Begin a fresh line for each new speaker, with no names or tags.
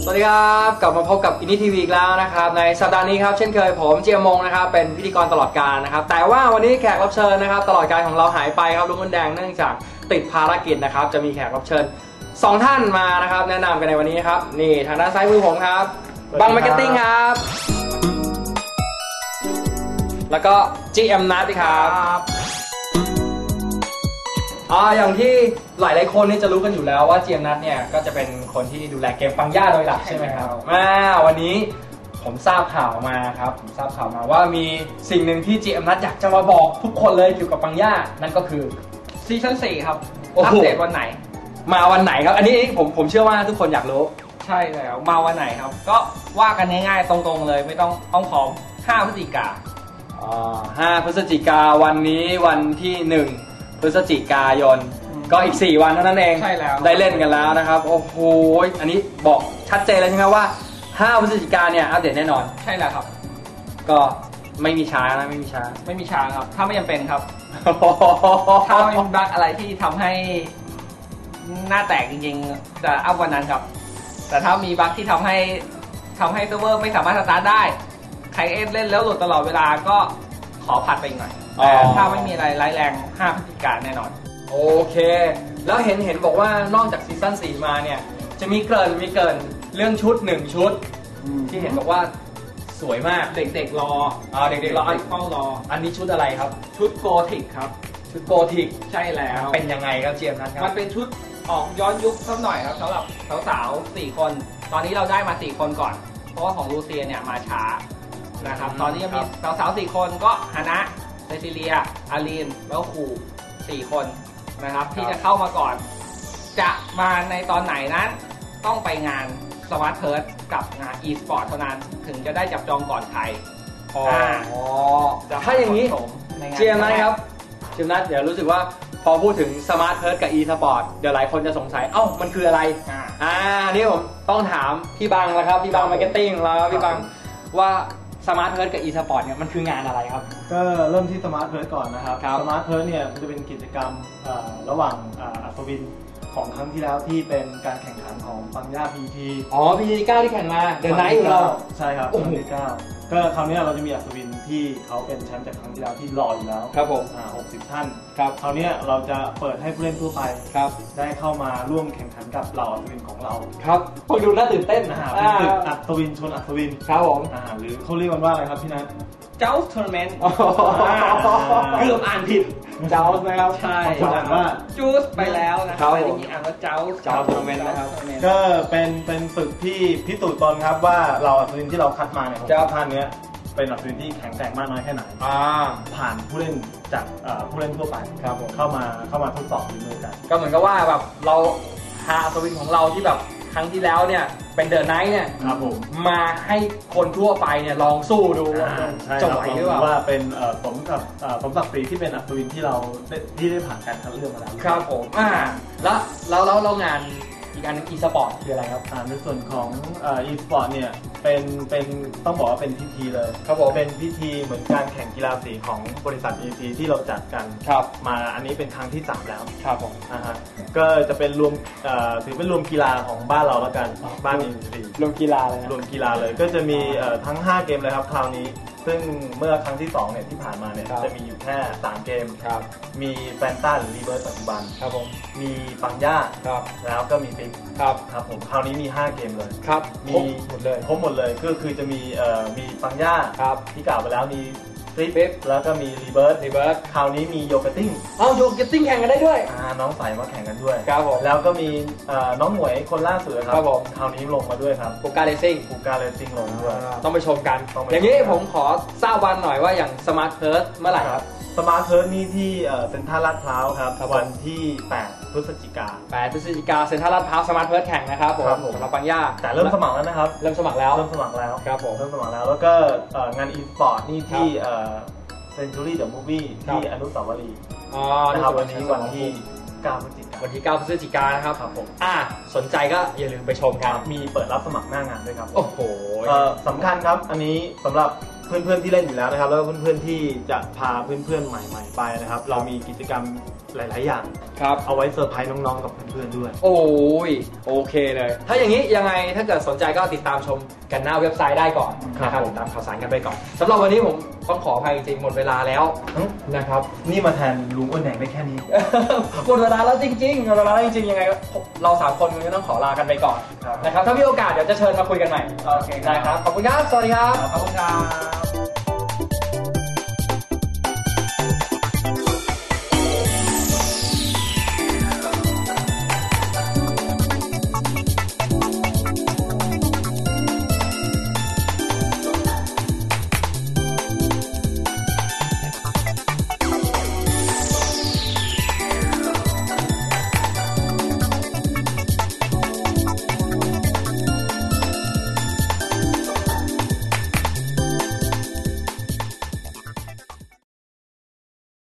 วัสดีครับกลับมาพบกับอินดี้ทีวีอีกแล้วนะครับในสัปดาห์นี้ครับเช่นเคยผมเจียมงนะครับเป็นพิธีกรตลอดกาลนะครับแต่ว่าวันนี้แขกรับเชิญนะครับตลอดการของเราหายไปครับลุงมดแดงเนื่องจากติดภารกิจนะครับจะมีแขกรับเชิญ2ท่านมานะครับแนะนำกันในวันนี้ครับนี่ทางด้านซ้ายมือผมครับบังมาร์เก็ตติ้งครับแล้วก็ GM นัทครับอย่างที่หลายคนนี่จะรู้กันอยู่แล้วว่า GM นัทเนี่ยก็จะเป็นคนที่ดูแลเกมปังย่าโดยหลักใช่ไหมครับวันนี้ผมทราบข่าวมาครับว่ามีสิ่งหนึ่งที่ GM นัทอยากจะมาบอกทุกคนเลยเกี่ยวกับปังย่านั่นก็คือ
ซีซั่น 4ครับอัปเดตวันไหน
มาวันไหนครับอันนี้ผมเชื่อว่าทุกคนอยากรู้
ใช่แล้วมาวันไหนครับก็ว่ากันง่ายๆตรงๆเลยไม่ต้องอ้อมค้อม5 พฤศจิกา
5 พฤศจิกาวันนี้วันที่1 พฤศจิกายนก็อีก4 วันเท่านั้นเอง
ใช่แล้ว
ได้เล่นกันแล้วนะครับโอ้โหอันนี้บอกชัดเจนเลยใช่ไหมว่า5 พฤศจิกาเนี่ยอัปเดตแน่นอน
ใช่แล้วครับ
ก็ไม่มีช้านะไม่มีช้
าครับถ้าไม่จำเป็นครับ ถ้าไม่มีบั๊กอะไรที่ทำให้หน้าแตกจริงๆจะอัพวันนั้นครับแต่ถ้ามีบั๊กที่ทำให้เซิร์ฟเวอร์ไม่สามารถสตาร์ทได้ใครเล่นแล้วหลุดตลอดเวลาก็ขอผัดไปอีกหน่อยแต่ถ้าไม่มีอะไรร้ายแรง5 พฤศจิกายนแน่นอน
โอเคแล้วเห็นบอกว่านอกจากซีซั่น 4มาเนี่ยจะมีเกริ่นเรื่องชุด1 ชุดที่เห็นบอกว่าสวยมาก
เด็กๆรอ
เด็กๆรอ
เฝ้ารอ
อันนี้ชุดอะไรครับ
ชุดโกธิกครับ
ชุดโกธิก
ใช่แล้ว
เป็นยังไงครับเจียมนะครับ
มันเป็นชุดออกย้อนยุคสักหน่อยครับสำหรับสาวๆ4 คนตอนนี้เราได้มา4 คนก่อนเพราะว่าของลูเซียเนี่ยมาช้านะครับตอนนี้ยังมีสาวๆ4 คนก็ฮานะเซซิเลียอารีนแล้วครู4 คนนะครับที่จะเข้ามาก่อนจะมาในตอนไหนนั้นต้องไปงานสมาร์ทเพิร์ดกับงาน e-sport เท่านั้นถึงจะได้จับจองก่อนใคร
ถ้าอย่างนี้เจียมนะครับเจียมนัทเดี๋ยวรู้สึกว่าพอพูดถึงสมาร์ทเพิร์ดกับ e-sport เดี๋ยวหลายคนจะสงสัยมันคืออะไรนี่ผมต้องถามพี่บังแล้วครับพี่บังมาร์เก็ตติ้งแล้วพี่บังว่าสมาร์ทเพิร์ดกับ e-sport เนี่ยมันคืองานอะไรครับ
ก็เริ่มที่สมาร์ทเพิร์ดก่อนนะครับสมาร์ทเพิร์ดเนี่ยมันจะเป็นกิจกรรมระหว่างอัศวินของครั้งที่แล้วที่เป็นการแข่งขันของปังย่า PT
PT 9ที่แข่งมาเดินไนท์อยู่เรา
ใช่ครับPT 9ก็คราวนี้เราจะมีอัศวินที่เขาเป็นแชมป์จากครั้งที่แล้วที่รออยู่แล้ว
ครับผม
60 ท่านครับคราวนี้เราจะเปิดให้ผู้เล่นทั่วไป
ครับ
ได้เข้ามาร่วมแข่งขันกับเหล่าอัศวินของเรา
ครับฟังดูน่าตื่นเต้น
เป็นศึกอัศวินชนอัศวิน
ครับผม
หรือเขาเรียกกันว่าอะไรครับพี่นัท
เจ้าทัวร์นาเมนต์
เกือบอ่านผิดเจ้านะครับ
ใช่คนอ่านว่า
จูสไปแล้วนะครับแต่จริงๆอ่านว่าเจ้า
ทัวร์นาเมนต์นะครับ
ก็เป็นฝึกที่พิสูจน์ตนครับว่าเราอัศวินที่เราคัดมาเนี่ยท่านนี้เป็นอัศวินที่แข็งแกร่งมากน้อยแค่ไหนผ่านผู้เล่นจากผู้เล่นทั่วไป
ครับ
เข้ามาทดสอบฝีมือกัน
ก็เหมือนกับว่าแบบเราหาอัศวินของเราที่แบบครั้งที่แล้วเนี่ยเป็นเดอะไนท์เนี่ยมาให้คนทั่วไปเนี่ยลองสู้ดู
จะไหวหรือเปล่าว่าเป็นสมศักดิ์ศรีที่เป็นอัศวินที่เราได้ผ่านการคัดเลือกมาแล้ว
ครับผมแล้วงานอีกอันนึง e-sport คืออะไรครับ
ในส่วนของe-sport เนี่ยเป็นต้องบอกว่าเป็นพิธีเลย
ครับผม
เป็นพิธีเหมือนการแข่งกีฬาสีของบริษัท EC ที่เราจัดกันมาอันนี้เป็นครั้งที่3แล้ว
ครับผม
ก็จะเป็นรวมถือเป็นรวมกีฬาของบ้านเราแล้วกันบ้าน EC
รวมกีฬาเลย
รวมกีฬาเลยก็จะมีทั้ง5 เกมเลยครับคราวนี้ซึ่งเมื่อครั้งที่2เนี่ยที่ผ่านมาเนี่ยจะมีอยู่แค่3 เกมมีแฟนต้าหรือรีเบิร์ตปัจจุบัน
ครับผม
มีปังย่าแล้วก็มีฟิกครับผมคราวนี้มี5 เกมเลย
ครับ
มีหมดเลยก็คือจะมีปังย่าที่กล่าวไปแล้วมีฟิกแล้วก็มีรีเบิร์ตคราวนี้มีโยเกตติ้ง
โยเกตติ้งแข่งกันได้ด้วย
น้องใส่มาแข่งกันด้วย
ครับผม
แล้วก็มีน้องหมวยคนล่าสุดครับคราวนี้ลงมาด้วยครับ
ปูการเลซิ่ง
ลงด้วย
ต้องไปชมกันอย่างนี้ผมขอทราบวันหน่อยว่าอย่างสมาร์ทเพิร์ดเมื่อไหร่ครับ
สมาร์ทเพิร์ดนี่ที่เซ็นทรัลลาดพร้าวครับวันที่8 พฤศจิกา
เซ็นทรัลลาดพร้าวสมาร์ทเพิร์ดแข่งนะครับผมสำหรับปังย่า
แต่เริ่มสมัครแล้วนะครับ
เริ่มสมัครแล้ว
ครับผมเริ่มสมัครแล้วแล้วก็งาน e-sport นี่ที่Century the Movie ที่อนุสาวรีย์นะครับวันนี้วันที่9 พฤศ
จิกายนนะครับ
ผม
สนใจก็อย่าลืมไปชมครับ
มีเปิดรับสมัครหน้างานด้วยครับ
โอ้โห
สำคัญครับอันนี้สำหรับเพื่อนๆที่เล่นอยู่แล้วนะครับแล้วก็เพื่อนๆที่จะพาเพื่อนๆใหม่ๆไปนะครับเรามีกิจกรรมหลายๆอย่าง
ครับ
เอาไว้เซอร์ไพรส์น้องๆกับเพื่อนๆด้วย
โอ้ยโอเคเลย ถ้าอย่างนี้ยังไงถ้าเกิดสนใจก็ติดตามชมกันหน้าเว็บไซต์ได้ก่อนนะครับ
ผม
ติดตามข่าวสารกันไปก่อนสำหรับวันนี้ผมต้องขออภัยจริงๆหมดเวลาแล้วนะครับ
นี่มาแทนลุงอ้วนแดงได้แค่นี้
หมดเวลาแล้วจริงๆหมดเวลาแล้วจริงๆยังไงเรา3คนคงจะต้องขอลากันไปก่อน
ครับ
นะครับถ้ามีโอกาสเดี๋ยวจะเชิญมาคุยกันใหม่
โอเค
นะครับขอบคุณครับสวัสดีครับ
ขอบคุณครับ